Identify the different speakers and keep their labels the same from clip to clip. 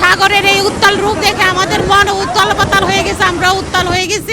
Speaker 1: সাগরের এই উত্তাল রূপ দেখে আমাদের মন উত্তাল পাতাল হয়ে গেছে, আমরা উত্তাল হয়ে গেছি।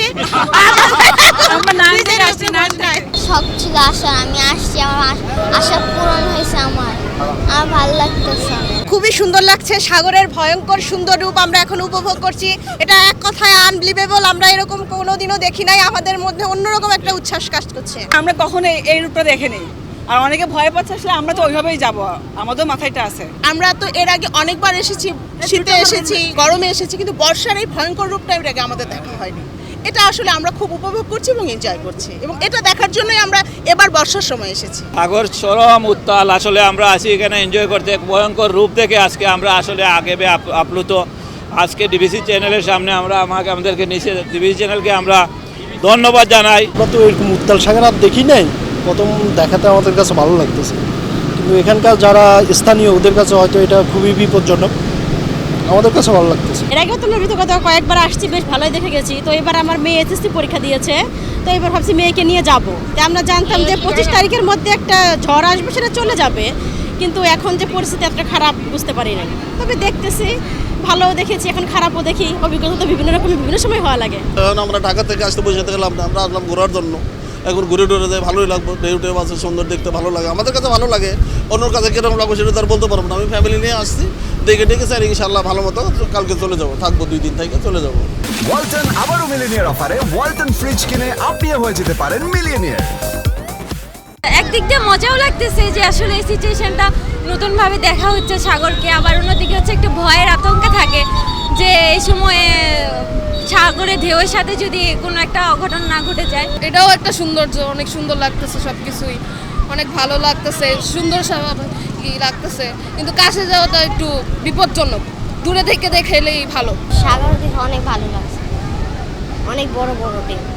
Speaker 2: শখ ছিল আশা, আমি আসছি, আমার আশা পূরণ হয়েছে। আমার ভালো লাগতেছে।
Speaker 3: খুবই সুন্দর লাগছে, সাগরের ভয়ঙ্কর সুন্দর রূপ আমরা এখন উপভোগ করছি। এটা এক কথায় আনবিলিভেবল, আমরা এরকম কোনোদিনও দেখি নাই। আমাদের মধ্যে অন্যরকম একটা উচ্ছ্বাস কাজ করছে।
Speaker 4: আমরা কখনো এই রূপটা দেখিনি, আর অনেকে ভয় পাচ্ছে, আসলে আমরা তো ওইভাবেই যাব, আমাদের মাথায়টা আছে।
Speaker 3: আমরা তো এর আগে অনেকবার এসেছি, শীতে এসেছি, গরমে এসেছি, কিন্তু বর্ষার এই ভয়ঙ্কর রূপটা এর আগে আমাদের দেখা হয়নি। এটা আসলে আমরা খুব উপভোগ করছি এবং এনজয় করছি, এবং এটা দেখার জন্যই আমরা এবার বর্ষার সময় এসেছি।
Speaker 5: সাগর চরম উত্তাল, আসলে আমরা আছি এখানে এনজয় করতে। ভয়ঙ্কর রূপ দেখে আজকে আমরা আসলে আগেবে আপ্লুত। আজকে ডিবিসি চ্যানেলের সামনে আমাদেরকে নিচে ডিবিসি চ্যানেলকে আমরা ধন্যবাদ জানাই।
Speaker 6: আমরা তো এরকম উত্তাল সাগর আর দেখি নাই, প্রথম দেখাতে আমাদের কাছে ভালো লাগতেছে, কিন্তু এখানকার যারা স্থানীয় ওদের কাছে হয়তো এটা খুবই বিপজ্জনক। আমাদের কাছে ভালো লাগতেছে।
Speaker 1: এর আগেও তো নবীত কথা কয়েকবার আসছি, বেশ ভালোই দেখে গেছি। তো এবার আমার মেয়ে এসএসসি পরীক্ষা দিয়েছে, তো এবার ভাবছি মেয়েকে নিয়ে যাব। তো আমরা জানতাম যে 25 তারিখের মধ্যে একটা ঝড় আসবে, সেটা চলে যাবে, কিন্তু এখন যে পরিস্থিতি এতটা খারাপ বুঝতে পারি না। তবে দেখতেছি, ভালোও দেখেছি, এখন খারাপও দেখি। অভিজ্ঞতা তো বিভিন্ন রকমের বিভিন্ন সময় হওয়া লাগে।
Speaker 7: এখন আমরা ঢাকা থেকে আসতে বসে গেলাম না, আমরা আসলাম ঘোরার জন্য। এখন ঘুরে টুরে যায়, ভালোই লাগবে। ঢেউ টেউ আছে, সুন্দর দেখতে ভালো লাগে, আমাদের কাছে ভালো লাগে। অন্যর কাছে কিরকম লাগবে সেটা তার বলতে পারবো না। আমি ফ্যামিলি নিয়ে আসছি, দেখে ডেকেছি, আর ইনশাল্লাহ ভালো মতো কালকে চলে যাবো, থাকবো 2 দিন থেকে চলে যাবো।
Speaker 8: ওয়ালটন আবারও মিলিয়নিয়ার অফারে ওয়ালটন ফ্রিজ কিনে আপনিও হয়ে যেতে পারেন মিলিয়নিয়ার।
Speaker 9: একদিক দিয়ে মজাও লাগতেছে যে আসলে এই সিচুয়েশনটা নতুনভাবে দেখা হচ্ছে সাগরকে, আবার অন্যদিকে হচ্ছে একটু ভয়ের আতঙ্ক থাকে যে এই সময়ে সাগরের ঢেউয়ের সাথে যদি কোনো একটা অঘটন না ঘটে যায়।
Speaker 10: এটাও একটা সৌন্দর্য, অনেক সুন্দর লাগতেছে, সব কিছুই অনেক ভালো লাগতেছে, সুন্দর লাগতেছে, কিন্তু কাছে যাওয়াটা একটু বিপজ্জনক। দূরে থেকে দেখলেই ভালো।
Speaker 2: সাগর দেখে অনেক ভালো লাগছে, অনেক বড় বড় ঢেউ।